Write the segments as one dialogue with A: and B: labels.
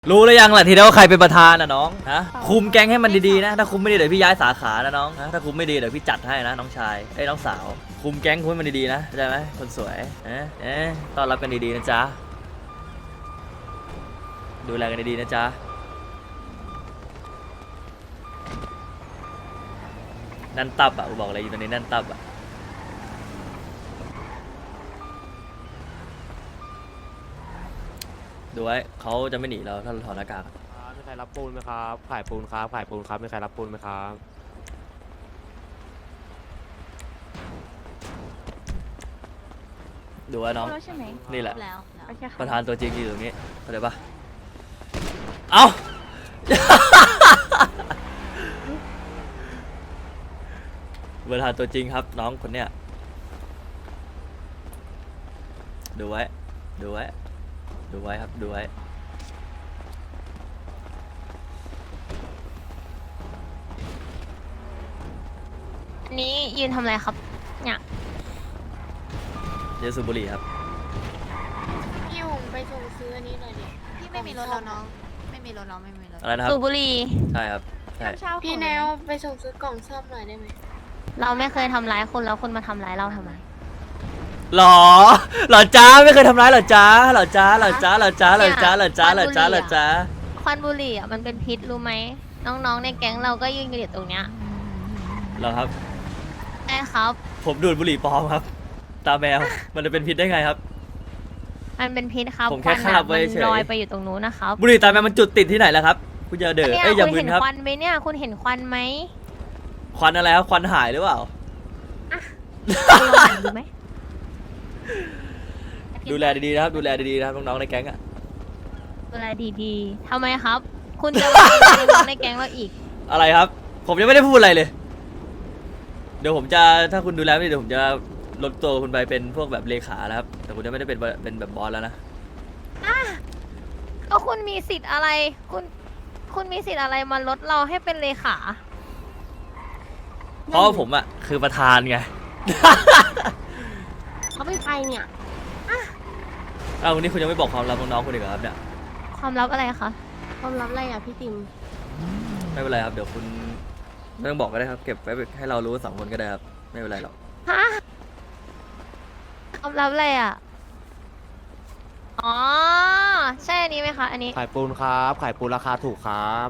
A: รู้แล้วยังล่ะทีเดียวว่าใครเป็นประธานนะน้องนะคุมแก๊งให้มันดีๆนะถ้าคุมไม่ดีเดี๋ยวพี่ย้ายสาขานะน้องนะถ้าคุมไม่ดีเดี๋ยวพี่จัดให้นะน้องชายไอ้น้องสาวคุมแก๊งคุมให้มันดีๆนะเข้าใจไหมคนสวยต้อนรับกันดีๆนะจ๊ะดูแลกันดีๆนะจ๊ะนั่นตับอ่ะกูบอกอะไรอยู่ตรงนี้นั่นตับอ่ะดูไว้เขาจะไม่หนีเราถ้าเราถอดหน้ากาก
B: มีใครรับปูนไหมครับขายปูนครับขายปูนครับมีใครรับปูนไหมครับ
A: ดูไว้น้องนี่แหละประธานตัวจริงอยู่ตรงนี้เข้าใจปะเอ้า ประธานตัวจริงครับน้องคนเนี้ยดูไว้ดูไว้ดูไว้ครับดูไว้
C: อันนี้ยืนทำอะไรครับเนี่ย
A: เยสุบุรีครับ
D: พี่หงไปส่งซื้ออันนี้หน่อยดิพี่ไม่มีรถแล้วน้องไม่มีรถน้องไม่มีรถ
A: อะไรนะครับ
C: สูบบุหรี่
A: ใช่ครับใช่
D: พี่แนวไปส่งซื้อกล่องซ่อมหน่อยได้ไหม
C: เราไม่เคยทำร้ายคนแล้วคนมาทำร้ายเราทำไม
A: หรอหรอจ้าไม่เคยทำร้ายหรอจ้าหรอจ้าหรอจ้าหรอจ้าหรอจ้าหรอจ้าหรอจ้าหรอจ้า
C: ควันบุหรี่อ่ะมันเป็นพิษรู้ไหมน้องๆในแก๊งเราก็ยืนกันอยู่ตรงเนี้ย
A: หรอครับ
C: ใช่ครับ
A: ผมดูดบุหรี่ปลอมครับตาแมวมันจะเป็นพิษได้ไงครับ
C: มันเป็นพิษครับ
A: ผมแค่
C: วั
A: คาบไว้
C: มัน
A: เฉย
C: ลอยไปอยู่ตรงนู้นนะครับ
A: บุหรี่ตาแมวมันจุดติดที่ไหนล่ะครับคุณอย่าเดือด
C: เนี่ย
A: เอ้ยอย่า
C: คุณ
A: มึ
C: เห็
A: น
C: น
A: ครับ
C: ควันไหมเนี่ยคุณเห็นควันไหม
A: ควันอะไรครับควันหายหรือเปล่า
C: คุณลองหันดูไหม
A: ดูแลดีๆนะครับดูแลดีๆนะครับน้องๆในแก๊งอะ
C: ดูแลดีๆทำไมครับ คุณจะมาเป็นน้องในแก๊งเราอีก
A: อะไรครับ ผมยังไม่ได้พูดอะไรเลย เดี๋ยวผมจะถ้าคุณดูแลไม่ดีเดี๋ยวผมจะลดตัวคุณไปเป็นพวกแบบเลขาแล้วครับแต่คุณจะไม่ได้เป็นแบบบอสแล้วนะ
C: ก็คุณมีสิทธิ์อะไร คุณมีสิทธิ์อะไรมาลดเราให้เป็นเลขา
A: เพราะว่าผมอะคือประธานไง
D: เขาไปเนี่ย
A: อ้าววันนี้คุณยังไม่บอกความลับน้องๆคุณอีกเหรอครับเนี่ย
C: ความลับอะไรคะ
D: ความลับอะไรอ่ะพี่ติม
A: ไม่เป็นไรครับเดี๋ยวคุณไม่ต้องบอกก็ได้ครับเก็บไว้ให้เรารู้2 คนก็ได้ครับไม่เป็นไรหรอก
C: ฮะความลับอะไรอ่ะ อ๋อ ใช่อันนี้ไหมคะ อันนี้
B: ขายปูนครับขายปูนราคาถูกครับ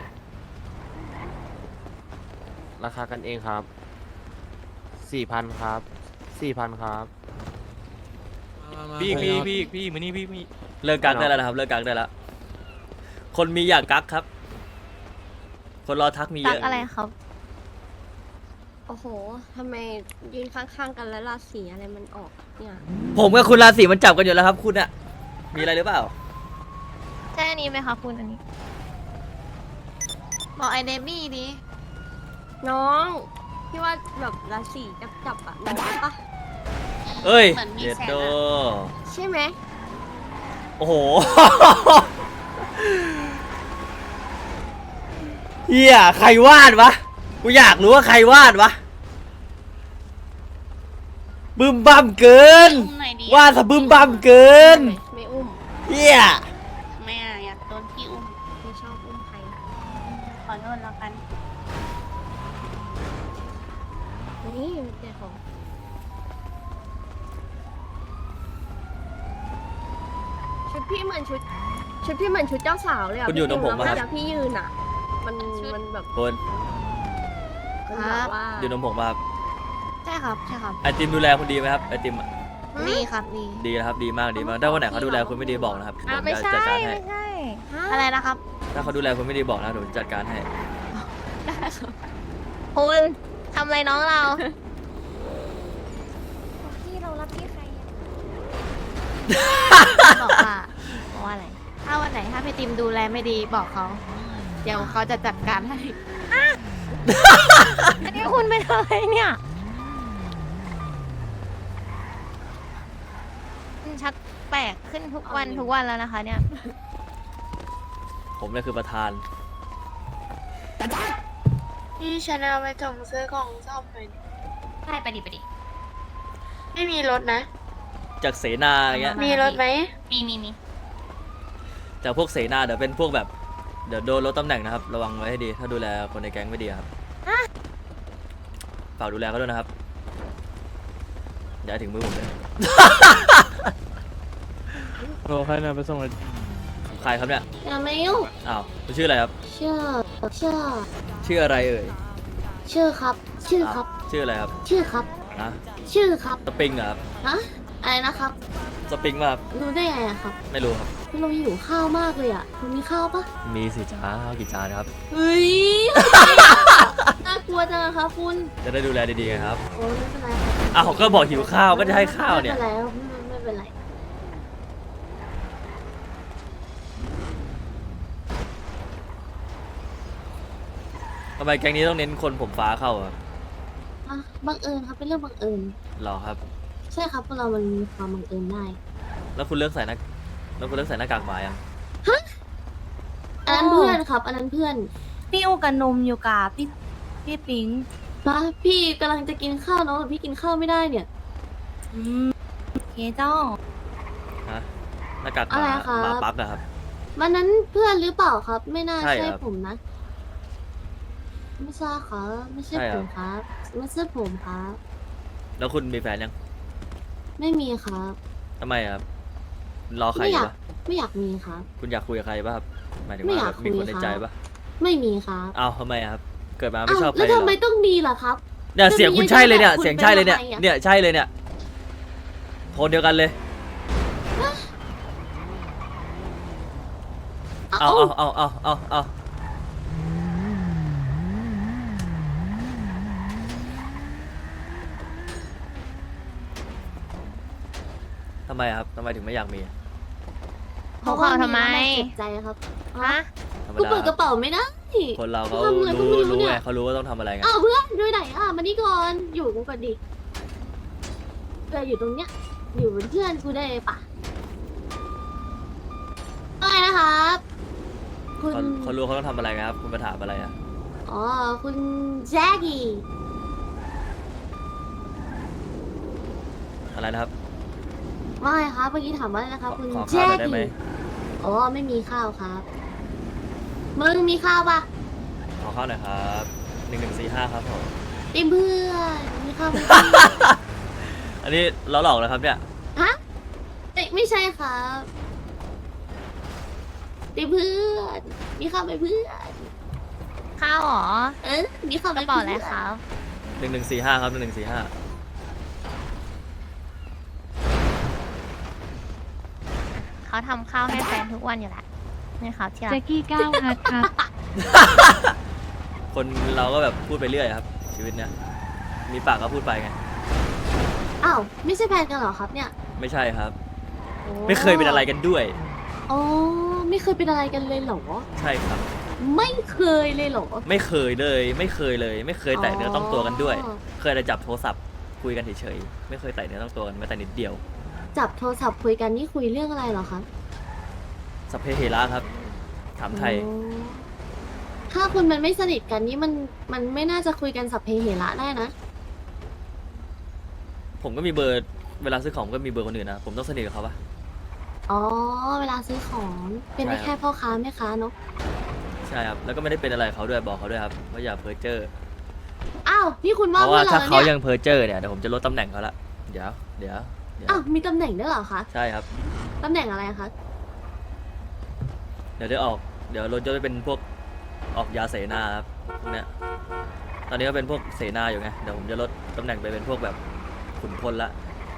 B: ราคากันเองครับ4,000ครับ4,000ครับ
E: พี่มานี่พี่
A: เลิกกักได้แล้วนะครับเลิกกักได้แล้วคนมีอยากกักครับ คนรอทักมีเย
C: ตัก
A: อะ
C: อะไรครับ
D: โอ้โหทำไมยืนข้างๆกันแล้วราศีอะไรมันออกเนี่ย
A: ผมกับคุณราศีมันจับกันอยู่แล้วครับคุณอะมีอะไรหรือเปล่า
C: ใช่อันนี้ไหมคะคุณอันนี้
D: บอกไอเดมี่ดิน้องพี่ว่าแบบราศีจับอ่ะน้องปะ
A: เอ้ย
D: เหมือนมี
A: เด็ด
D: แสง
A: โด
D: อะ ใช่ไหม
A: โอ้โห เฮียใครวาดวะกูอยากรู้ว่าใครวาดวะบึ้มบั่มเกินวาดซะบึ้มบั่มเกิน
D: ไม่อุ้ม
A: เฮีย
D: ไม่อ่ะอยากโดนพี่อุ้มไม่ชอบอุ้มใครขอโทษแล้วกันนี่เจ้าของชุดพี่เหมือนชุดพี่เหมือนชุดเจ้าสาวเลยอ่ะ
A: คุณอยู่ตรงผมปะครับ
D: แล้วพี่ยืนอ่ะ มันแบบ
A: คน
D: มันแบบว่า
A: อยู่ตรงผมป่ะครับ
D: ใช่ครับใช่ครับ
A: ไอติมดูแลคุณดีไหมครับไอติมอะ
D: ดีครับดี
A: ดีนะครับดีมากดีมากถ้าวันไหนเขาดูแลคุณไม่ดีบอกนะครับ
C: อ่ะ
A: ผม
C: ไม่
A: จะ
C: ใช่
A: จัดการให้
C: ไม่ใช่
D: อะไรนะครับ
A: ถ้าเขาดูแลคุณไม่ดีบอกนะเดี๋ยวผมจัดการให้
C: คุณทำอะไรน้องเรา
D: พี่เรารับพี่ใคร
C: บอกว่าอะไร
D: ถ้าวันไหนถ้าพี่ติมดูแลไม่ดีบอกเขา เดี๋ยวเขาจะจัดการให้
C: อันนี้คุณเป็นอะไรเนี่ยมันชักแปลกขึ้นทุกวันทุกวันแล้วนะคะเนี่ย
A: ผมเนี่ยคือประธาน
D: พี่ชนะไปส่งซื้อของซ่อมหน่อยดิ
C: ใช่ไปดิ
D: ไม่มีรถนะ
A: จากเสนาอย่างเงี้ย
D: มีรถไหม
C: มี
A: ทแต่พวกเสนาเดี๋ยวเป็นพวกแบบเดี๋ยวโดนลดตำแหน่งนะครับระวังไว้ให้ดีถ้าดูแลคนในแก๊งไม่ดีครับฝากดูแลเขาด้วยนะครับอย่าให้ถึงมือผมเลย
E: โลใครนะไปส่งเลย
A: ของใครครับเนี่ย
D: อย่ามายุ่ง
A: อ้าวคุณชื่ออะไรครับ
D: ชื่อ
A: ชื่ออะไรเอ่ย
D: ชื่อครับ ชื่อครับ
A: ชื่ออะไรครับ
D: ชื่อครับ
A: นะ
D: ชื่อครับ
A: สปริงเหรอครับ
D: ฮะอะไรนะครับ
A: สปริงป่ะครับ
D: รู้ได้ไงอะครับ
A: ไม่รู้ครับ
D: คุณเราหิวข้าวมากเลยอะคุณมีข้าวปะ
A: มีสิจ้าข้าวกี่จานครับ
D: เฮ้ย น่ากลัวจังอะครับคุณ
A: จะได้ดูแลดีๆไงครับ
D: โอ้ไม่เป็นไรครับ
A: อ้าวก็บอกหิวข้าวก็จะให้ข้าวเนี่ย
D: ไม่เป็นไรครับไม่เป็นไร
A: ทำไมแก๊งนี้ต้องเน้นคนผมฟ้าเข้าอะ
D: อ่ะบังเอิญครับเป็นเรื่องบังเอิญ
A: หรอครับ
D: ใช่ครับพวกเรามันมีความบังเอิญได้
A: แล้วคุณเลือกใส่หน้าแล้วคุณเลือกใส่หน้ากากหมายัง
D: อันนั้นเพื่อนครับ อันนั้นเพื่อน
C: พี่อูกับนมอยู่กับพี่ปิง
D: นะพี่กำลังจะกินข้าวน้องแต่พี่กินข้าวไม่ได้เนี่ย
C: เคเจ้า
A: ฮะหน้ากากห
D: อะไร
A: มา
D: ครับ
A: หมาปักอะครับ
D: วันนั้นเพื่อนหรือเปล่าครับ ไม่น่า
A: ใช่
D: ใช่
A: ครับ
D: ผมนะ ไม่ใช่ครับไม่ใช่
A: ใช่
D: ผ
A: ครับ
D: มครับ ไม่ใช่ผมครับ
A: แล้วคุณมีแฟนยัง
D: ไม่มีครับ
A: ทำไมอะครับรอใคร
D: ไม่
A: อ
D: อยาก
A: ยู่ปะ
D: ไม่อยากมีครับ
A: คุณอยากคุยกับใครป่ะครับหมายถึง
D: ไม่
A: ว่า
D: อยาก
A: แบบมีคน
D: คุย
A: ใน
D: ครับ
A: ใจป่ะ
D: ไม่มีครับ
A: อ้าวทำไมอะครับเกิดมาไม่
D: อ้าว
A: ชอบใคร
D: แล้ว
A: เหร
D: ทำไม
A: อ
D: ต้องมีล่ะครับ
A: เนี่ยเสียงคุณใช่เลยเนี่ย
D: คุณ
A: เสียงใช่เลยเนี่ย
D: เป็นอะไรอะ
A: เนี่ยใช่เลยเนี่ยคนเดียวกันเลย เอาทำไมอะครับทำไมถึงไม่อยากมี
C: เขาข่าวทำไม
D: เจ็บใจครับ
C: ฮะ
A: ธรรม
D: กู
A: ดา
D: เปิดกระเป๋าไม่ได้
A: คนเราเขา
D: ทำอะไรก็ไม่รู้
A: รู้
D: เนี่ย
A: ไงเขารู้ว่าต้องทำอะไรไง
D: อ้าวเพื่อนด้วยไหนอ่ะมานี่ก่อนอยู่กูก่อนดิเพื่อนอยู่ตรงเนี้ย อยู่เป็นเพื่อนกูได้ปะอะไรนะครับ คุณ
A: เขารู้เขาต้องทำอะไรไงครับคุณมาถามอะไรอะ
D: อ๋อคุณแจ็คกี้
A: อะไรนะครับ
D: ว่าไงครับเมื่อกี้ถามว่าอะไรนะครับ คุณ
A: ขอ
D: แจ็
A: ข้าวห
D: ค
A: น่อยได้ไหม
D: กี้อ๋อไม่มีข้าวครับมึงมีข้าวปะ
A: ขอข้าวหน่อยครับ1145ครับผม
D: ติมเพื่อนมีข้าวไหม
A: อันนี้เราหลอกนะครับเนี่ย
D: ฮะเอ้ยไม่ใช่ครับติมเพื่อนมีข้าวไหมเพื่อน
C: ข้าวเหรอ
D: เออมีข้าวไห
C: ก
D: ม
C: ระเป๋าอะไรครับ
A: 1145ครับ1145
C: เขาทำข้าวให้แฟนทุกวันอยู่แหละนี่ครับที่รั
F: แจ็
C: ก
F: กกี้ก้าวฮัทครับ
A: คนเราก็แบบพูดไปเรื่อยครับ ชีวิตเนี่ยมีปากก็พูดไปไง
D: อ้าวไม่ใช่แฟนกันเหรอครับเนี่ย
A: ไม่ใช่ครับ
D: โอ้
A: ไม่เคยเป็นอะไรกันด้วย
D: อ๋อไม่เคยเป็นอะไรกันเลยเหรอ
A: ใช่ครับ
D: ไม่เคยเลยเหรอ
A: ไม่เคยเลย ไม่เคยเลย ไม่เคยแตะเนื้อต้องตัวกันด้วย
D: อ๋อ
A: เคยแต่จับโทรศัพท์คุยกันเฉยๆไม่เคยแตะเนื้อต้องตัวกันแม้แต่นิดเดียว
D: จับโทรศัพท์คุยกันนี่คุยเรื่องอะไรเหรอคะ
A: สัพเพเหระครับ ถามไทย
D: อ๋อถ้าคุณมันไม่สนิทกันนี่มันไม่น่าจะคุยกันสัพเพเหระได้นะ
A: ผมก็มีเบอร์เวลาซื้อของก็มีเบอร์คนอื่นนะผมต้องสนิทกับเขาปะ
D: อ๋อเวลาซื้อของเป็นได้
A: ใช่ครับ
D: แค่พ่อค้าแม่ค้าเนาะ
A: ใช่ครับแล้วก็ไม่ได้เป็นอะไรเขาด้วยบอกเขาด้วยครับว่าอย่าเพ้อเจ้อ
D: อ้าวนี่คุณ
A: เพ
D: ว่า
A: ราะ
D: เพื่
A: ว่า
D: อนเรา
A: ถ้า
D: แล้ว
A: เขา
D: เนี่ย
A: ยังเพ้อเจ้อเนี่ยเดี๋ยวผมจะลดตำแหน่งเขาละเดี๋ยว
D: อ้าวมีตำแหน่งด้วยเหรอคะ
A: ใช่ครับ
D: ตำแหน่งอะไรคะ
A: เดี๋ยวรถจะไปเป็นพวกออกยาเสนาครับพวกเนี้ยตอนนี้ก็เป็นพวกเสนาอยู่ไงเดี๋ยวผมจะลดตำแหน่งไปเป็นพวกแบบขุนพลละ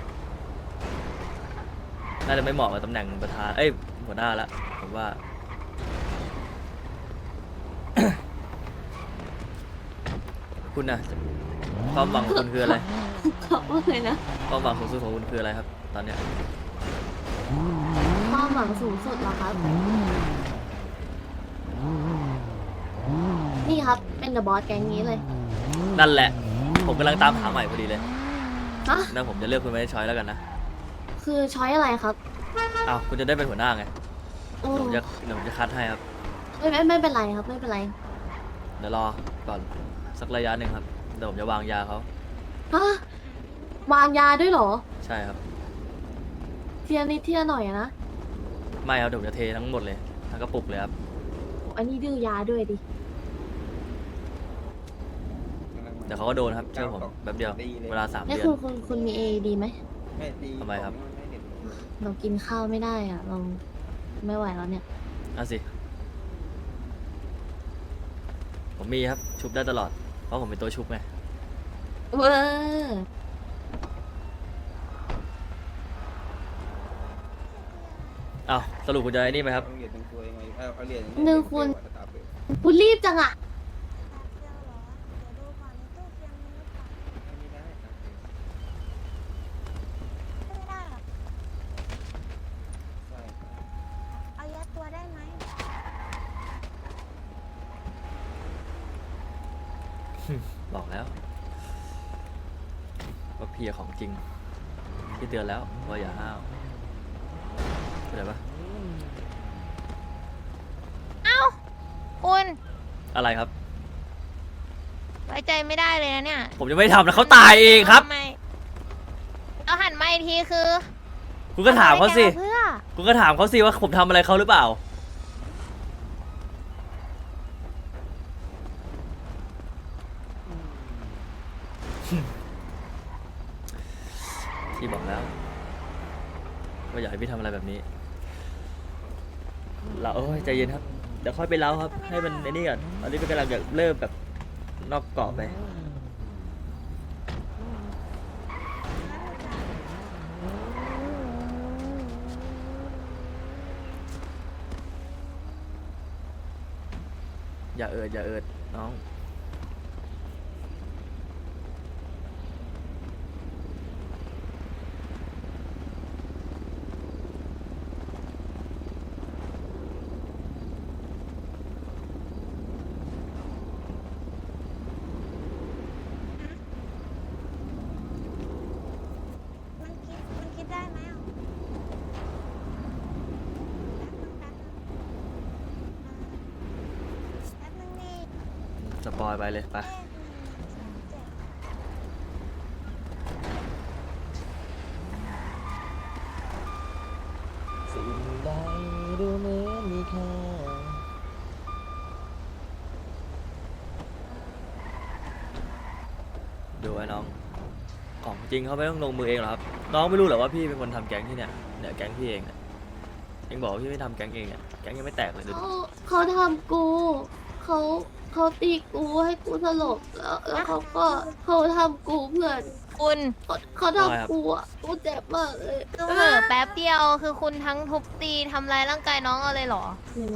A: น่าจะไม่เหมาะกับตำแหน่งประธานเอ้ยหัวหน้าละผมว่า คุณนะความหวังของคุณคืออะไร
D: เขาว่าไงนะ
A: ความหวังสูงสุดของคุณคืออะไรครับ ตอนเนี้ย
D: ความหวังสูงสุดเหรอครับ นี่ครับ เป็นเดอะบอสแก๊งนี้เลย
A: นั่นแหละ ผมกำลังตามหาใหม่พอดีเลย
D: ฮะ
A: นะผมจะเลือกคุณไม่ได้ช้อยแล้วกันนะ
D: คือช้อยอะไรครับ
A: อ้าวคุณจะได้เป็นหัวหน้าไง
D: โอ้
A: เดี๋ยวผมจะคัดให้ครับ
D: ไม่เป็นไรครับ ไม่เป็นไร
A: เดี๋ยวรอก่อนสักระยะหนึ่งครับเดี๋ยวผมจะวางยาเขา
D: ฮะ วางยาด้วยเหรอ
A: ใช่ครับ
D: เทียนิดเทียหน่อยอะนะ
A: ไม่ครับเดี๋ยวผมจะเททั้งหมดเลยทั้งกระปุกเลยครับ
D: อันนี้ดื้อยาด้วยดิ
A: เดี๋ยวเขาก็โดนครับเชื่อผมแป๊บเดียวเวลา3
D: นี่
A: เดือน
D: คุณมีเอดีไหม
A: ทำไมครับ
D: เรากินข้าวไม่ได้อ่ะ เราไม่ไหวแล้วเนี่ย
A: เอาสิผมมีครับชุบได้ตลอดเพราะผมเป็นตัวชุบไง
D: เวอร์
A: อ้าวสรุปคุณจะไอ้นี่ไหมครับ
D: หนึ่งคุณรีบจังอ่ะ
F: ไม่ได้หรอกเอายัดตัวได้ไหม
A: บอกแล้วว่าพี่ของจริงพี่เตือนแล้วว่าอย่าห้าวเข้าใจปะ
C: คุณ
A: อะไรครับ
C: ไว้ใจไม่ได้เลยนะเนี่ย
A: ผมยังไม่ทำนะเขาตายเองครับ
C: ทำไมเราหันมาอีกทีคือ
A: คุณก็ถามเขาสิ
C: เพื่อ
A: คุณก็ถามเขาสิว่าผมทำอะไรเขาหรือเปล่า พี่บอกแล้วว่าอยากให้พี่ทำอะไรแบบนี้เราโอ้ยใจเย็นครับ เดี๋ยวค่อยไปเล่าครับ ให้มันไอ้นี่ก่อนตอนนี้เป็นกำลังอยากเริ่มแบบนอกเกาะไป อย่าเอิดอย่าเอิดน้อง
F: มันคิดได้ไหมอ่ะแป๊บนึงนี่
A: สปอยไปเลยไป สิ่งใดดูเหมือนมีค่าดูไอ้น้อง ของจริงเขาไม่ต้องลงมือเองหรอครับ น้องไม่รู้เหรอว่าพี่เป็นคนทำแก๊งที่เนี่ยแก๊งพี่เองเนี่ยเองบอกว่าพี่ไม่ทำแก๊งเองเนี่ยแก๊งยังไม่แตกเลยดูดิ
D: เขาทำกูเขาตีกูให้กูสลบแล้วเขาทำกูเพื่อน
C: คุณ
D: เขาทำกูอ่ะกูเจ็บมากเลย
C: คือเหม่อแป๊บเดียวคือคุณทั้งทุบตีทำร้ายร่างกายน้องเอาเลยเหรอ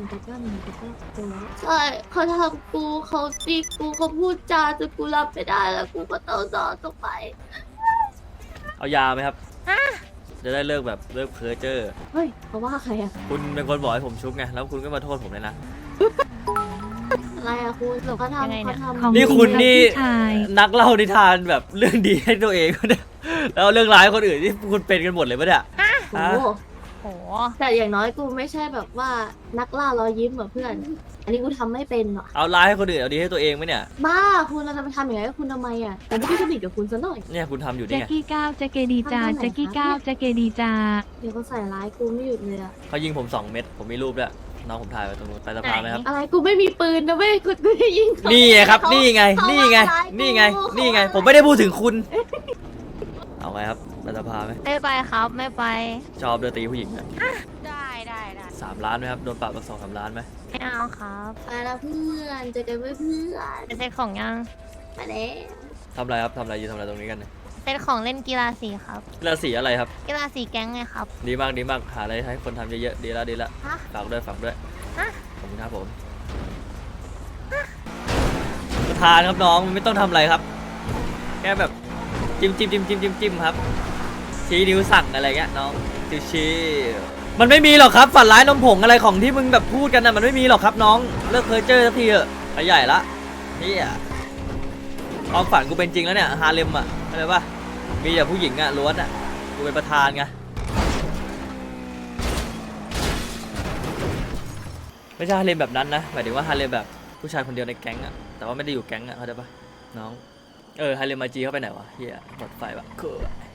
D: ใช่เขาทำกูเขาตีกูเขาพูดจาจนกูรับไม่ได้แล้วกูก็ต้องนอนต้องไป
A: เอายาไหมครับจะได้เลิกแบบเลิกเพ้อเจ้อ
D: เฮ้ยเขาว่าใครอะ
A: คุณเป็นคนบอกให้ผมชุบไงแล้วคุณก็มาโทษผมเลยนะ
D: อะไรอะคุณ
C: สรุป
D: เขา
C: ยังไง
D: ทำ
C: เนี่
D: เขา
C: ย
D: ทำ
A: นี่คุณนี่
G: ใช่
A: นักเล่านิทานแบบเรื่องดีให้ตัวเอง เนี่ยแล้วเรื่องร้ายคนอื่นที่คุณเป็นกันหมดเลยปะเนี่ย
D: โอ้โห
C: โห
D: แต่อย่างน้อยกูไม่ใช่แบบว่านักล่ารอยยิ้มเหมือนเพื่อน อันนี้กูทำไม่เป็นหรอ
A: เอาร้ายให้คนอื่นเอาดีให้ตัวเองไหมเนี่ย
D: บ้าคุณเราจะไปทำอย่างไรกับคุณทำไมอะแต่ไม่ได้สนิทกับคุณซะหน่อย
A: เนี่ยคุณทำอยู่
G: แจ็
A: นี่
G: ค
A: ไง
G: กี้ก้าวแจ็คเกดีจา
D: ทำได้ไหน
G: แจ็คกี้
D: คะ
G: ก้าวแจ็คเกดีจา
D: เดี๋ยวเขาใส่ร้ายกูไม่หยุดเลยอะ
A: เขายิงผม2 เม็ดผมมีรูปด้วยน้องผมถ่ายไว้ตรงนู้นไปสะพานไหมครับ
D: อะไรกูไม่มีปืนนะเว้ยกูจะยิงเขา
A: นี่ไงครับ
D: เขา
A: นี่ไง
D: เขา
A: นี่ไง
D: ว่าร้ายกู
A: นี่ไง
D: เขา
A: นี่ไง
D: ว่า
A: ผมไม่ได้พูดถึงคุณ เอาไงครับไปสะพานไหม
C: ไม่ไปครับไม่ไป
A: ชอบเดือตีผู้หญิงอะ
C: ได้
A: 3 ล้านไหมครับโดนปรับมา2-3 ล้านไหม
C: ไม่เอาครับ
D: ไปแล้วเพื่อนเจอกันเพื่อน
C: เป็นเซตของยัง
D: มาแล้ว
A: ทำอะไรครับทำอะไรยืนทำอะไรตรงนี้กันเนี่ย
C: เซตของเล่นกีฬาสีครับ
A: กีฬาสีอะไรครับ
C: กีฬาสีแก๊งไงครับ
A: ดีมากดีมากหาอะไรให้คนทำเยอะๆดีแล้วดีแล้ว
C: ฮะ
A: ฝากด้วยฝากด้วย
C: ฮะ
A: ขอบคุณครับผมประธานครับน้องมันไม่ต้องทำอะไรครับ แค่แบบจิ้มครับชี้นิ้วสั่งอะไรเงี้ยน้องชี้มันไม่มีหรอกครับฝันร้ายนมผงอะไรของที่มึงแบบพูดกันนะมันไม่มีหรอกครับน้องเลิกเพ้อเจ้อสักทีเถอะไปใหญ่ละนี่อ่ะความฝันกูเป็นจริงแล้วเนี่ยฮาเลมอ่ะอะไรปะมีแต่ผู้หญิงอ่ะล้วนอ่ะกูเป็นประธานไงไม่ใช่ฮาเลมแบบนั้นนะหมายถึงว่าฮาเลมแบบผู้ชายคนเดียวในแก๊งอ่ะแต่ว่าไม่ได้อยู่แก๊งอ่ะเข้าใจปะน้องฮาเลมมาจีเข้าไปไหนวะเฮียหมดไฟปะคือ